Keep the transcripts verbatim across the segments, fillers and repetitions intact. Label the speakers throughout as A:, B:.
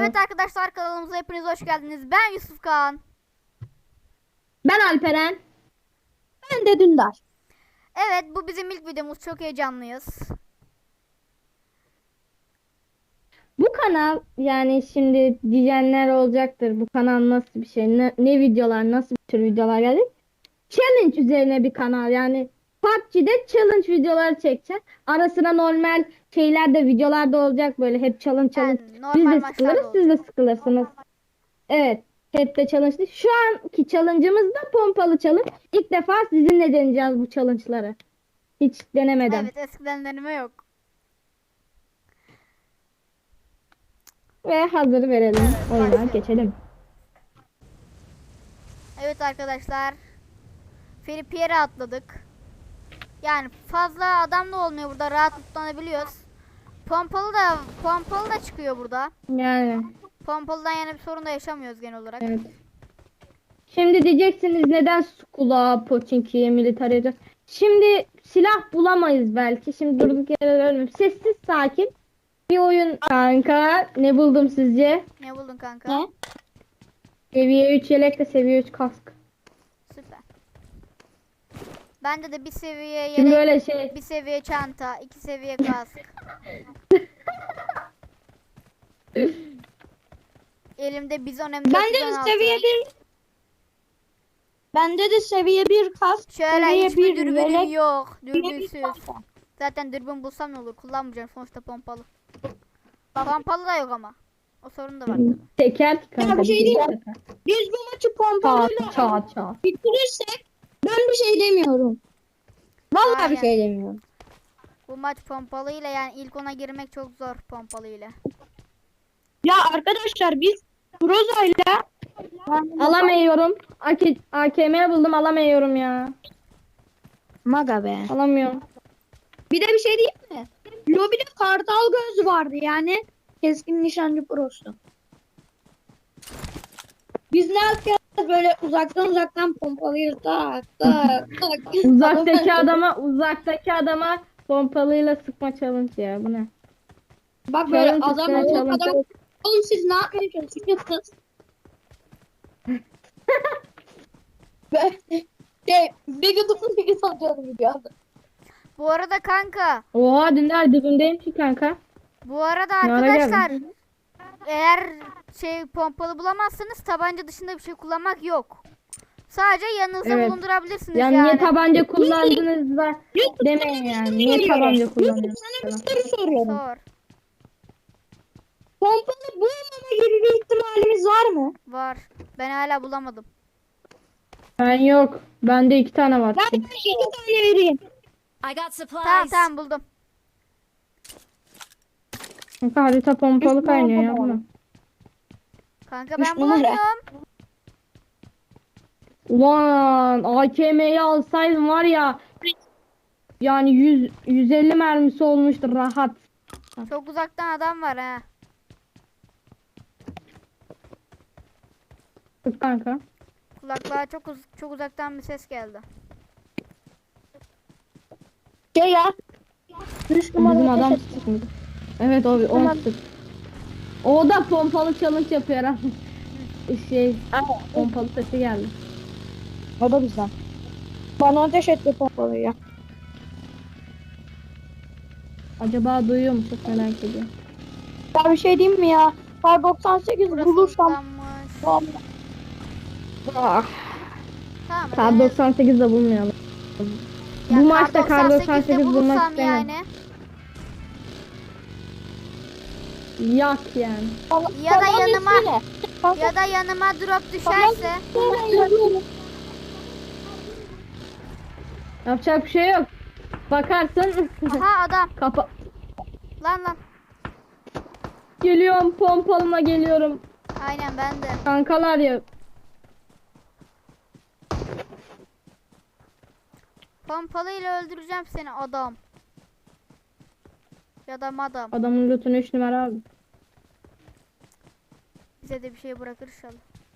A: Evet arkadaşlar, kanalımıza hepiniz hoş geldiniz. Ben Yusuf Kağan.
B: Ben Alperen. Ben de Dündar.
A: Evet, bu bizim ilk videomuz. Çok heyecanlıyız.
B: Bu kanal, yani şimdi diyenler olacaktır. Bu kanal nasıl bir şey? Ne, ne videolar, nasıl bir tür videolar geldi? Challenge üzerine bir kanal. Yani P U B G'de challenge videoları çekeceğiz. Ara sıra normal şeyler de videolar da olacak, böyle hep challenge challenge.
A: Yani
B: Biz
A: normal
B: de
A: maçlar
B: sıkılırız,
A: da
B: siz de
A: olacak.
B: sıkılırsınız. Evet. Hep de challenge değil. Şu anki challenge'ımız da pompalı challenge. İlk defa sizinle deneyeceğiz bu challenge'ları. Hiç denemeden.
A: Evet, eskiden deneme yok.
B: Ve hazır verelim.
A: Evet,
B: Oyuna
A: başlayalım.
B: geçelim.
A: Evet arkadaşlar, Free Pierre'e atladık. Yani fazla adam da olmuyor burada, rahat tutlanabiliyoruz. Pompalı da pompalı da çıkıyor burada.
B: Yani
A: Pompalıdan yani bir sorun da yaşamıyoruz genel olarak.
B: evet. Şimdi diyeceksiniz neden Skula, Pochinki'ye, Military'e. Şimdi silah bulamayız belki. Şimdi durduk yere ölmüyorum. Sessiz sakin bir oyun kanka. Ne buldum sizce?
A: Ne buldun kanka?
B: Ne? Seviye üç yelek de seviye üç kask.
A: Süper. Bende de bir seviye
B: Şimdi
A: yelek,
B: böyle şey.
A: bir seviye çanta, iki seviye kask. Elimde bizon M
C: Bende
A: dört yüz on
C: de
A: altı.
C: seviye bir bende de seviye bir kas,
A: Şöyle
C: seviye
A: hiçbir
C: bir
A: dürbünüm
C: yelek,
A: yok.
C: seviye bir
A: Dürbünsüz.
C: çanta.
A: Zaten dürbün bulsam ne olur? Kullanmayacağım sonuçta pompalı. Pompalı da yok ama. O sorun da var tabii.
B: Teker ki
C: Ya
B: kanka.
C: bir şey
B: bir
C: diyeyim
B: şey
C: mi?
B: teker.
C: Biz bu maçı
B: Çat
C: pompalıyla
B: çat çat.
C: bitirirsek ben bir şey demiyorum. Vallahi bir
A: Aynen.
C: şey demiyorum.
A: Bu maç pompalı ile yani ilk ona girmek çok zor pompalı ile.
C: Ya arkadaşlar biz Groza'yla
B: Alamıyorum. A K M buldum, alamıyorum ya.
C: Maga be.
B: Alamıyorum.
C: Bir de bir şey diyeyim mi? Lobide kartal göz vardı, yani keskin nişancı prosu. Biz ne yapacağız? Böyle uzaktan uzaktan pompalıyız. Tak tak tak.
B: Uzaktaki adama uzaktaki adama pompalıyla sıkma challenge ya, bu ne?
C: Bak böyle
B: Challenge
C: adam
B: üstüne
C: o
B: challenge.
C: kadar. Oğlum siz ne yapmaya çalışıyorsunuz? Ben şey bir gıdım bir satıyorum gibi anda.
A: Bu arada kanka.
B: Oha, Dündar dibimdeyim ki kanka.
A: Bu arada
B: Ne ara
A: arkadaşlar.
B: geldin?
A: Eğer şey pompalı bulamazsanız tabanca dışında bir şey kullanmak yok. Sadece yanınızda
B: Evet.
A: bulundurabilirsiniz
B: Yani
A: yani.
B: niye tabanca kullandınız da
C: Yusuf,
B: demeyin
C: sana bir
B: yani.
C: soru
B: Niye
C: soruyorum.
B: tabanca
C: Yusuf,
B: kullanıyorsunuz?
C: sana bir soru soruyorum.
A: Sor.
C: Pompalı bulmama gibi bir ihtimalimiz var mı?
A: Var. Ben hala bulamadım.
B: Ben yok. Bende iki tane var.
C: Ben
B: çünkü.
C: iki tane vereyim.
D: I got supplies.
A: Tamam tamam buldum.
B: Kanka harita pompalı
C: Üç
B: kaynıyor ya
C: numara.
B: buna.
A: Kanka
C: Üç
A: ben
C: numara.
A: bulamıyorum.
B: Ulan A K M'yi alsaydım var ya, yani yüz yüz elli mermisi olmuştur rahat.
A: Çok uzaktan adam var ha.
B: Sık kanka.
A: Kulaklığa çok uz çok uzaktan bir ses geldi.
C: Şey ya. Üç
B: Bizim
C: numara
B: adam
C: ateş et.
B: sıkmış. Evet abi, o
C: Tamam.
B: sık. O da pompalı challenge yapıyor ha. Şey, pompalı sesi geldi.
C: O da güzel. Bana ateş etti pompalıyı ya.
B: Acaba duyuyor mu? Çok merak ediyorum.
C: Ya bir şey diyeyim mi ya? Kar doksan sekiz
A: Burası
C: bulursam.
A: uzaklanmış.
B: Ah,
A: Tamam.
B: Kar
A: en az-
B: doksan sekiz de bulmayalım.
A: ya
B: Bu maçta Kar doksan
A: doksan sekizde
B: sekiz bulmak
A: bulursam
B: istemiyorum.
A: yani.
B: Yak yani.
A: Ya da
C: Tamam,
A: yanıma-
C: üstüne. Tamam,
A: Ya da yanıma drop düşerse.
C: tamam, yazıyorum.
B: Yapacak bir şey yok. Bakarsın.
A: Aha adam.
B: Kapa.
A: Lan lan.
B: Geliyorum, pompalıma geliyorum.
A: Aynen ben de.
B: Kankalar ya.
A: Pompalıyla öldüreceğim seni adam. Ya da madam.
B: Adamın lootunu üç numara abi.
A: Bize de bir şey bırakır inşallah.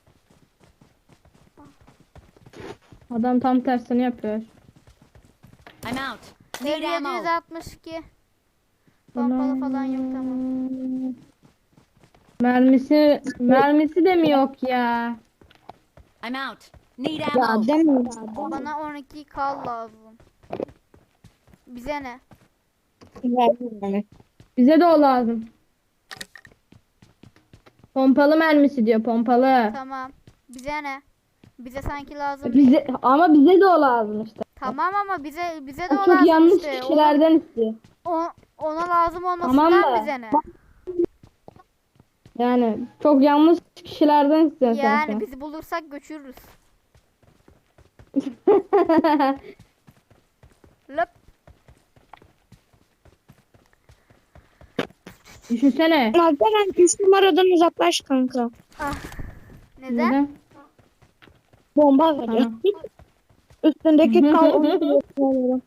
B: Adam tam tersini yapıyor.
D: I'm out. Need
A: Seviye
D: ammo.
A: altmış iki. Pompalı falan yok, tamam.
B: Mermisi mermisi de mi yok ya?
D: I'm out. Need
C: Ya
D: ammo.
C: demiyorum.
A: Bana on iki kal lazım. Bize ne?
C: Yani.
B: Bize de o lazım. Pompalı mermisi diyor, pompalı.
A: Tamam. Bize ne? Bize sanki lazım.
B: Bize ama bize de o lazım işte.
A: Tamam ama bize bize de
B: O
A: o
B: çok
A: lazım
B: yanlış
A: işte.
B: kişilerden istiyor.
A: O, ona lazım olmasından
B: Tamam da.
A: bize ne?
B: Yani çok yanlış kişilerden istiyor
A: Yani
B: sanki.
A: bizi bulursak göçürürüz. Löp.
B: Düşünsene.
C: Alperen üç numaradan uzaklaş kanka.
A: Ah. Neden?
B: Neden?
C: Bomba veriyor.
B: Tamam.
C: Üstündeki kal onu kullanıyorum.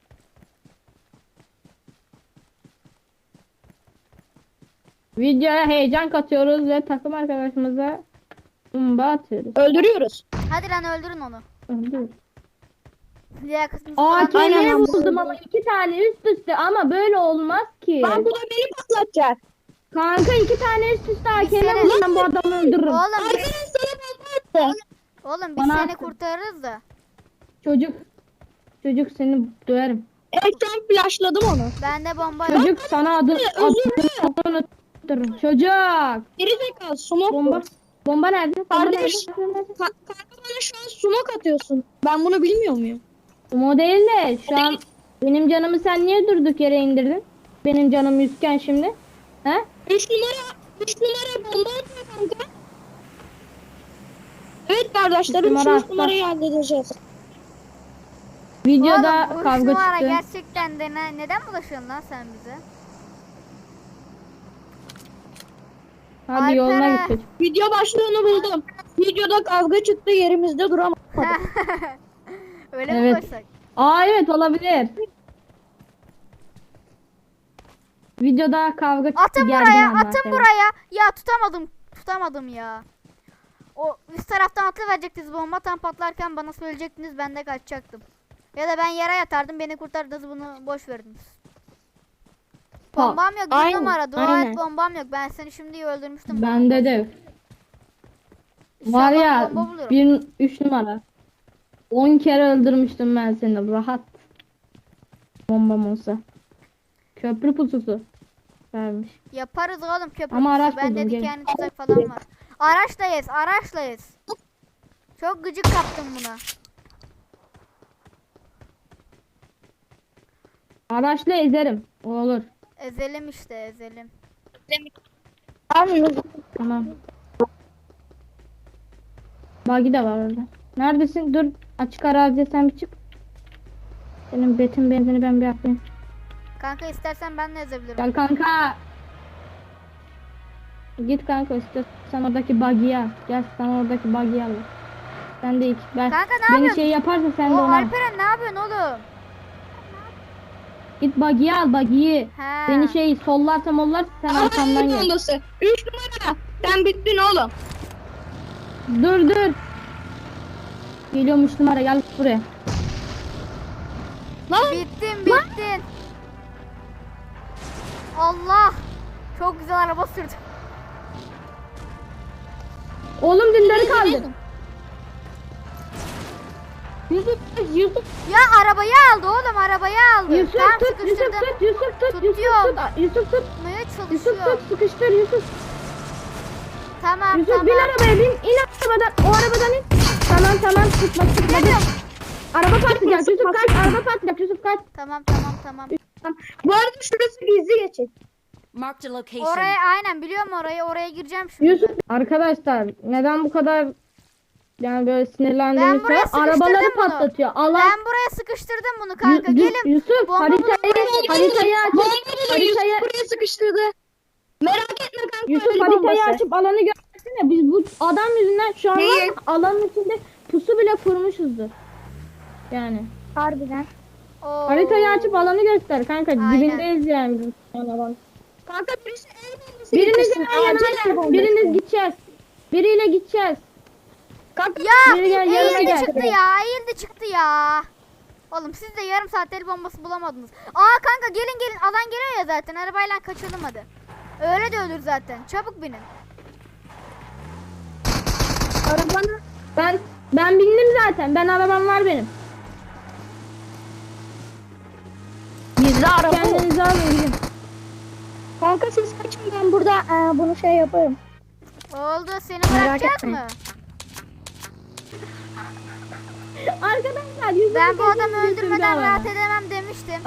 B: Videoya heyecan katıyoruz ve takım arkadaşımıza bomba atıyoruz.
C: Öldürüyoruz.
A: Hadi lan öldürün onu.
B: Öldür.
A: Liyakatınız
B: Aa
A: falan.
C: aynen
B: kendimi
C: ben
B: buldum ama iki tane üst üste ama böyle olmaz ki.
C: Lan bu da beni patlatacak.
B: Kanka iki tane üst üste
A: Biz
B: hakeme
A: seni-
B: buldum, ben bu adamı öldürürüm.
A: Oğlum biz,
C: Alperen sana bomba attı.
A: oğlum biz
B: Bana
A: seni
B: attın.
A: kurtarırız da.
B: Çocuk. Çocuk seni döverim.
C: Evet şu an flashladım onu.
A: Ben de bomba yok.
B: Çocuk sana adı adını unuttururum. Çocuk.
C: Geri zekalı smoke
B: Bomba.
C: bu.
B: Bomba nerede? Bomba
C: Kardeş.
B: nerede?
C: Ka- kanka bana şu an smoke atıyorsun. Ben bunu bilmiyor muyum?
B: O değil de şu an benim canımı sen niye durduk yere indirdin? Benim canım yüzken şimdi. He?
C: üç numara üç numara bomba atıyor kanka. Evet kardeşlerim
B: Üç
C: şu
B: numara
C: üç numarayı halledeceğiz.
B: Videoda
A: Oğlum bu üç
B: kavga
A: numara
B: çıktı.
A: gerçekten de ne, neden bulaşıyorsun lan sen bize?
B: Hadi yoluna
A: Alperen.
B: git çocuk.
C: Video başlığını buldum. Videoda kavga çıktı yerimizde duramadık.
A: Öyle mi
B: Evet.
A: koysak?
B: Aa evet olabilir. Videoda kavga çıktı.
A: Atın
B: gergin
A: buraya,
B: anlar
A: atın
B: tabii.
A: buraya. Ya tutamadım, tutamadım ya. O üst taraftan atlıverecektiniz bomba tam patlarken bana söyleyecektiniz ben de kaçacaktım. Ya da ben yere yatardım beni kurtardınız bunu boş verdiniz.
B: Ha,
A: Bombam yok bir
C: aynen,
A: numara dua
C: aynen.
A: et bombam yok ben seni şimdi öldürmüştüm.
B: Bende de.
A: İnşallah
B: Var ya
A: bomba bulurum.
B: bir üç numara. on kere öldürmüştüm ben seni rahat. Bombam olsa. Köprü pususu vermiş.
A: Yaparız oğlum köprü
B: Ama
A: pusu.
B: araç
A: Bende
B: buldum, gel.
A: dikenli tuzak falan var. Araçlayız araçlayız. Çok gıcık kaptım buna.
B: Araçla ezerim. O olur.
A: Ezelim işte ezelim.
B: Tamam. Bagi de var orada. Neredesin? Dur. Açık araziye sen bir çık. Senin betin benzini ben bir yapayım.
A: Kanka istersen ben de ezebilirim.
B: Gel kanka. Git kanka istiyorsan oradaki bagiyi al. Gel sana oradaki bagiyi al. Sen de ilk. Ben,
A: Kanka ne
B: beni
A: yapıyorsun?
B: şey yaparsa sen de
A: O
B: ona. al.
A: Alperen ne yapıyorsun oğlum?
B: Git bagiyi al bagiyi.
A: He.
B: Beni şey sollarsa mollarsa sen arkamdan gel.
C: bombası. üç numara. Sen bittin oğlum.
B: Dur dur. Geliyormuş numara gel buraya.
A: Bittin bittin. Allah. Çok güzel araba sürdüm.
B: Oğlum dilleri kaldı. Yusuf Yusuf
A: Ya arabayı aldı oğlum arabayı aldı.
B: Yusuf
A: Tam
B: tut Yusuf
A: sıkıştırdım.
B: tut Yusuf tut Yusuf
A: Tutuyorum.
B: tut Yusuf tut
A: Tutmaya
B: Yusuf
A: çalışıyor.
B: tut sıkıştır Yusuf.
A: Tamam
B: Yusuf
A: tamam.
B: bin arabaya bin in arabadan o arabadan in. Tamam tamam tutma tutma.
A: Geliyorum.
B: Araba patlayacak Yusuf kaç araba patlayacak Yusuf kaç.
A: Tamam tamam tamam.
C: Bu arada şurası gizli geçit.
D: Marked a location.
A: Oraya aynen biliyorum orayı oraya gireceğim şimdi.
B: Yusuf arkadaşlar neden bu kadar yani böyle sinirlendiğimiz
A: Ben buraya
B: falan arabaları
A: sıkıştırdım bunu.
B: patlatıyor. Allah
A: Ben buraya sıkıştırdım bunu kanka.
B: Yu- Yu-
A: Gelin.
B: Yusuf
A: Bomba
B: haritayı
A: bulun,
B: haritayı açıp
C: Bomba buluyor.
B: haritayı
C: Yusuf buraya sıkıştırdı. Merak etme kanka.
B: Yusuf
C: öyle
B: haritayı
C: bombası.
B: açıp alanı görsene. Biz bu adam yüzünden şu an var
C: Neyi?
B: ya, alanın içinde pusu bile kurmuşuzdur. Yani.
C: Harbiden.
A: Oo.
B: Haritayı açıp alanı göster kanka.
A: Aynen.
B: Dibindeyiz yani biz. Yani alan.
C: Kanka birisi el bombası
B: Biriniz
C: getirsin.
B: yan yana,
C: Acil el bombası.
B: biriniz gideceğiz. Biriyle gideceğiz.
C: Kanka
A: Ya
B: Biri gel, yanıma
A: eğildi
B: gel.
A: çıktı ya eğildi çıktı ya. Oğlum siz de yarım saat el bombası bulamadınız. Aa kanka gelin gelin alan geliyor ya zaten arabayla kaçalım hadi. Öyle de ölür zaten çabuk binin.
B: Ben ben bindim zaten. Ben arabam var benim.
C: Bizde araba yok.
B: Kendinizi alın gidin.
C: Kanka siz kaçın, ben burada e, bunu şey yaparım.
A: Oldu, seni
C: Merak
A: bırakacağız
C: etmeyin.
A: mı?
B: Arkadaşlar yüzümü
A: Ben bu adamı
B: kendinizi götürdü
A: öldürmeden
B: alana.
A: rahat edemem demiştim.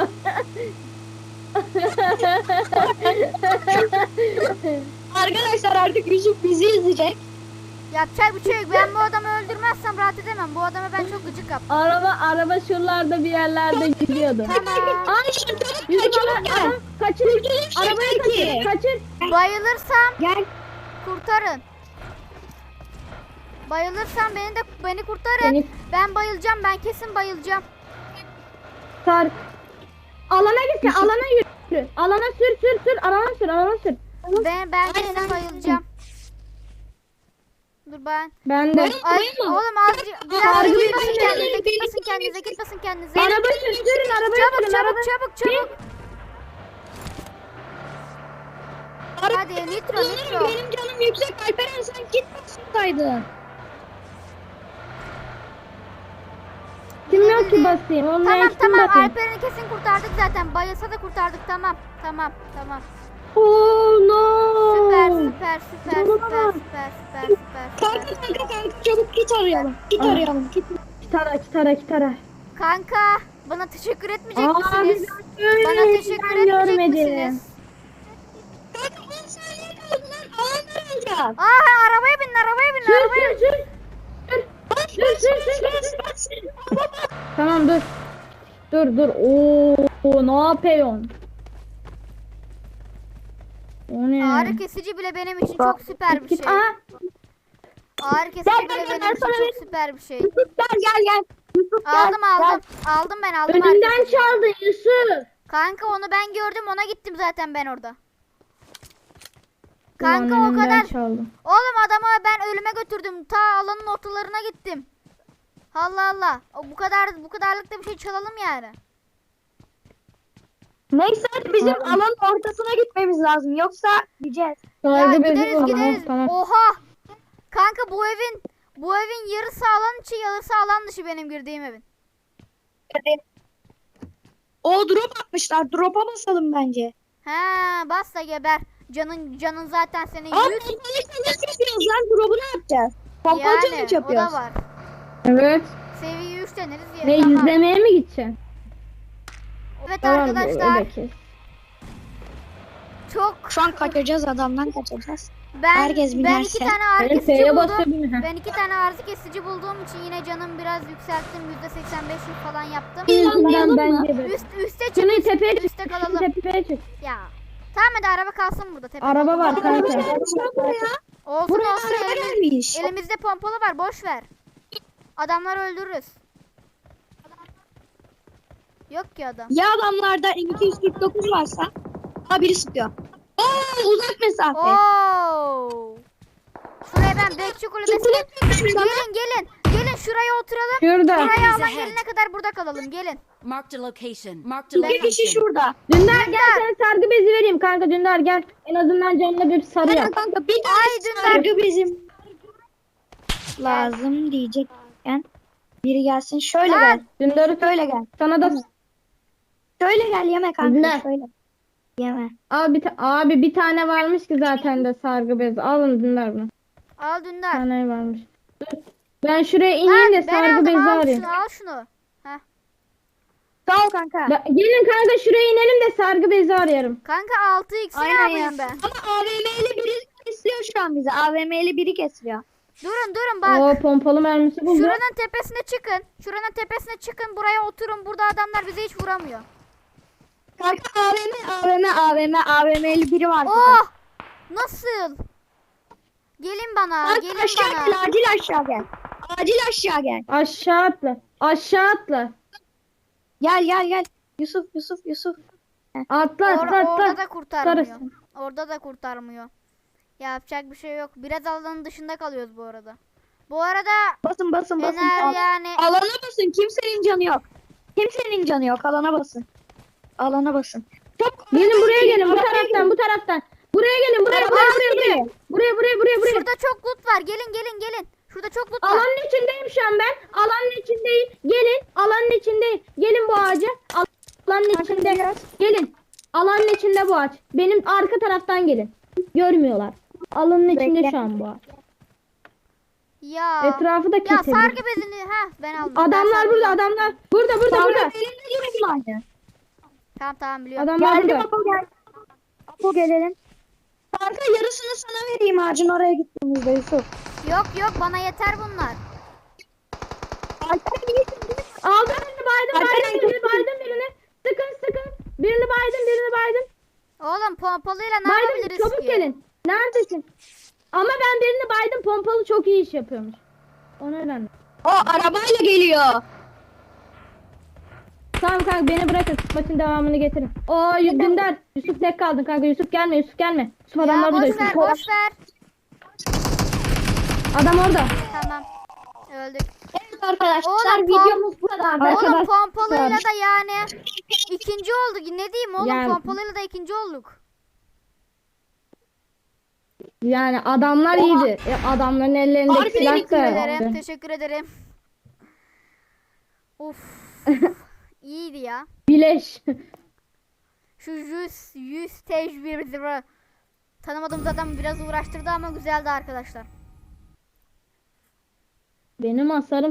C: Arkadaşlar artık Yusuf bizi izleyecek.
A: Yapacak bir şey yok. Ben bu adamı öldürmezsem rahat edemem. Bu adamı ben çok gıcık yaptım.
B: Araba araba şuralarda bir yerlerde gidiyordu.
A: Tamam.
C: Ay şu çabuk
B: Yusuf
C: gel,
B: ana,
C: çabuk gel.
B: ana, kaçır. Arabayı
C: Şuradaki.
B: kaçır. Kaçır.
A: Bayılırsam
C: Gel.
A: kurtarın. Bayılırsam beni de beni kurtarın.
B: Seni
A: Ben bayılacağım. Ben kesin bayılacağım.
B: sar. Alana gitsin. Alana yürü. Alana sür sür sür. Alana sür. Alana sür.
A: Ben ben kesin bayılacağım. Dur ben.
B: Ben de.
A: Ay, oğlum azıcık biraz
B: Sargı
A: git
B: bir
A: basın
B: şey
A: kendinize,
C: değil,
A: git
C: beni
A: basın kendinize, git basın kendinize.
B: Araba sür. Sürün arabayı
A: Çabuk
B: sürün.
A: çabuk
B: araba-
A: çabuk çabuk. Hadi nitro nitro.
C: Benim canım yüksek, Alperen sen git basındaydın.
B: Kim yok ki basayım? Olmayan
A: Tamam
B: kim
A: tamam,
B: basayım?
A: Alperen'i kesin kurtardık zaten. Bayılsa da kurtardık, tamam. Tamam tamam.
B: Oh no.
A: Süper süper süper
B: Canına
A: süper
B: bak.
A: süper süper süper
C: Kanka
A: süper.
C: kanka kanka çabuk git arayalım. Git
B: Ah.
C: arayalım. Git.
B: Kitara kitara kitara.
A: Kanka bana teşekkür etmeyecek
B: Aa
A: misiniz?
B: biz
A: Bana teşekkür etmeyecek misiniz?
C: Kanka on saniye kaldı lan. Alanlar alacağız.
A: Aa arabaya binin arabaya binin
B: Sür
A: arabaya
B: sür
A: binin.
B: sür.
C: Bas bas bas bas bas.
B: Tamam dur. Dur dur. Oo ne yapıyorsun? O ne?
A: Ağrı kesici bile benim için çok süper bir şey.
B: Aa,
A: Ağrı kesici
C: Gel,
A: bile
C: gel, gel,
A: benim için
C: sana
A: çok
C: vereyim.
A: süper bir şey.
C: Yusuf gel gel gel. Yusuf gel.
A: Aldım aldım. Aldım ben aldım ağrı
B: önümden
A: kesiciyi.
B: çaldın Yusuf.
A: Kanka onu ben gördüm, ona gittim zaten ben orada.
B: Ulan
A: Kanka o
B: önümden
A: kadar.
B: çaldım.
A: Oğlum adamı ben ölüme götürdüm. Ta alanın ortalarına gittim. Allah Allah. O bu kadar bu kadarlıkta bir şey çalalım yani.
C: Neyse hadi bizim
B: Aa.
C: alanın ortasına gitmemiz lazım. Yoksa gideceğiz.
A: Ya
B: Saygı bezi
A: gideriz
B: olan.
A: gideriz.
B: Oh, tamam.
A: Oha. Kanka bu evin bu evin yarısı alan içi, yarısı alan dışı benim girdiğim evin.
C: Hadi. O drop atmışlar. Drop'a basalım bence.
A: He bas da geber. Canın canın zaten senin
C: Abi
A: yüz.
C: pompalı challenge yapıyoruz lan. Drop'u ne yapacağız? Pompalı challenge
A: Yani o
C: yapıyoruz.
A: da var.
B: Evet.
A: Seviye üç deneriz ya.
B: Ne
A: Tamam.
B: izlemeye mi gideceksin?
A: Evet
B: Tamam,
A: arkadaşlar
B: öyle kes.
A: çok
C: Şu an kaçacağız, adamdan kaçacağız.
A: ben
C: herkes
A: ben
C: binerse.
A: iki tane ağrı
B: Benim
A: kesici
B: F'ye
A: buldum.
B: basıyor bir mi?
A: Ben iki tane ağrı kesici bulduğum için yine canım biraz yükselttim. yüzde seksen beş falan yaptım.
B: Yüzünden
C: mı?
B: bence de.
A: Üst üste çık.
B: Şunu tepeye çık.
A: Üste
B: Şunu
A: kalalım.
B: tepeye çık.
A: Ya. Tamam hadi araba kalsın burada tepede.
B: Araba var kanka.
A: Olsun
C: Buraya
A: olsun
C: araba
A: elimiz,
C: gelmiş.
A: elimizde pompalı var, boş ver. Adamları öldürürüz. Yok ki adam.
C: Ya adamlarda M iki yüz kırk dokuz varsa? Ha biri sıkıyor. Oo uzak mesafe.
A: Oo. Şuraya ben bekçi kulübesine. Gelin gelin. Gelin şuraya oturalım.
B: Şurada.
A: Buraya alan
D: ahead.
A: gelene kadar burada kalalım. Gelin.
D: Marked a location. Marked a
C: Bir kişi
D: location.
C: şurada.
B: Dündar gel sana sargı bezi vereyim kanka Dündar gel. En azından canına bir sarı
C: Hemen
B: yap.
C: kanka bir
A: Ay,
C: tane
A: Dündar.
C: sargı bizim lazım diyecekken biri gelsin. Şöyle
A: Lan.
C: gel.
B: Dündar'ı
C: Şöyle gel.
B: sana da
C: Şöyle gel yeme kanka.
B: Ne?
C: Şöyle. Yeme.
B: abi, bir ta- abi bir tane varmış ki zaten de sargı bezi. Alın Dündar bunu.
A: Al
B: Bir
A: Dündar.
B: tane varmış. Dur. Ben şuraya ineyim de
A: Ha, ben
B: sargı
A: aldım,
B: bezi
A: al
B: arayayım.
A: şunu al şunu. Heh.
C: Sağ ol kanka.
B: Ben- gelin kanka şuraya inelim de sargı bezi arayalım.
A: Kanka altı x'i ne
C: Aynen ya.
A: yapayım ben?
C: Ama A V M'li biri kesiyor şu an bizi. A V M'li biri kesiyor.
A: Durun durun bak.
B: Oo pompalı mermisi buldum.
A: Şuranın tepesine çıkın. Şuranın tepesine çıkın. Buraya oturun. Burada adamlar bize hiç vuramıyor.
C: Kanka A V M, A V M, A V M, A V M'li biri var. burada.
A: Oh! Nasıl? Gelin bana.
C: Kanka
A: Gelin
C: aşağı
A: bana.
C: gel, acil aşağı gel. Acil aşağı gel.
B: Aşağı atla. Aşağı atla.
C: Gel gel gel. Yusuf, Yusuf, Yusuf.
B: Atla
A: Or-
B: atla
A: orada
B: atla.
A: da kurtarmıyor.
B: Tutarız.
A: Orada da kurtarmıyor. Yapacak bir şey yok. Biraz alanın dışında kalıyoruz bu arada. Bu arada
C: Basın basın basın.
A: Ener
C: Al-
A: yani
C: Alana basın. Kimsenin canı yok. Kimsenin canı yok. Alana basın. Alana basın. Çok
B: Gelin buraya gelin bu taraftan bu taraftan. Buraya gelin buraya buraya buraya buraya. Buraya buraya buraya buraya.
A: şurada çok loot var. Gelin gelin gelin. Şurada çok loot var.
B: Alanın içindeyim şu an ben. Alanın içindeyim. Gelin. Alanın içindeyim. Gelin bu ağaca. Al- Alanın içinde. Gelin. Alanın içinde bu ağaç. Benim arka taraftan gelin. Görmüyorlar. Alanın içinde
C: Bekle.
B: şu an bu ağaç.
A: Ya.
B: Etrafı da
A: Ya
B: keselim.
A: sargı bezini ha ben aldım. Ben
B: Adamlar
A: sargı
B: burada,
A: bezini-
B: adamlar. Burada, burada, burada.
C: Benimle gibi aynı.
A: Tamam tamam biliyorum.
B: Adamlar
C: Geldim
B: burada.
C: Apo gel. Apo gelelim. Kanka yarısını sana vereyim ağacın oraya gittiğimizde Yusuf.
A: Yok yok bana yeter bunlar.
C: Alper iyisin değil mi?
B: Aldım birini, baydım,
C: Alperen
B: baydım birini,
C: çok-
B: baydım birini. Sıkın, sıkın. Birini baydım, birini baydım.
A: Oğlum pompalıyla ne
B: Baydım,
A: yapabiliriz
B: çabuk
A: ki?
B: gelin. Neredesin? Ama ben birini baydım, pompalı çok iyi iş yapıyormuş. O nedenle.
C: O arabayla geliyor.
B: Tamam kanka beni bırakın, maçın devamını getirin. Oo Dündar, Yusuf tek kaldın kanka. Yusuf gelme, Yusuf gelme. Yusuf adamlar
A: Ya
B: burada.
A: boş ver
B: Yusuf.
A: boş ver.
B: Adam orada.
A: Tamam. Öldük.
C: Evet arkadaşlar
A: Oğlum,
C: videomuz bu kadar.
B: Arkadaşlar-
A: Oğlum pompalıyla da yani ikinci olduk. Ne diyeyim oğlum
B: Yani-
A: pompalıyla da ikinci olduk.
B: Yani adamlar iyiydi. E, adamların ellerindeki
C: Harbi
B: silah
A: Teşekkür
B: da
A: ederim.
B: vardı.
A: Teşekkür ederim. Uf. İyiydi ya.
B: Bileş.
A: Şu yüz yüz tecrübe tanımadığımız adam biraz uğraştırdı ama güzeldi arkadaşlar.
B: Benim hasarım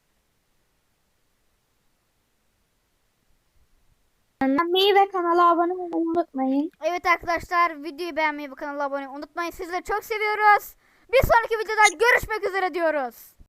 C: Beğenmeyi ve kanala abone olmayı unutmayın.
A: Evet arkadaşlar videoyu beğenmeyi ve kanala abone olmayı unutmayın. Sizleri çok seviyoruz. Bir sonraki videoda görüşmek üzere diyoruz.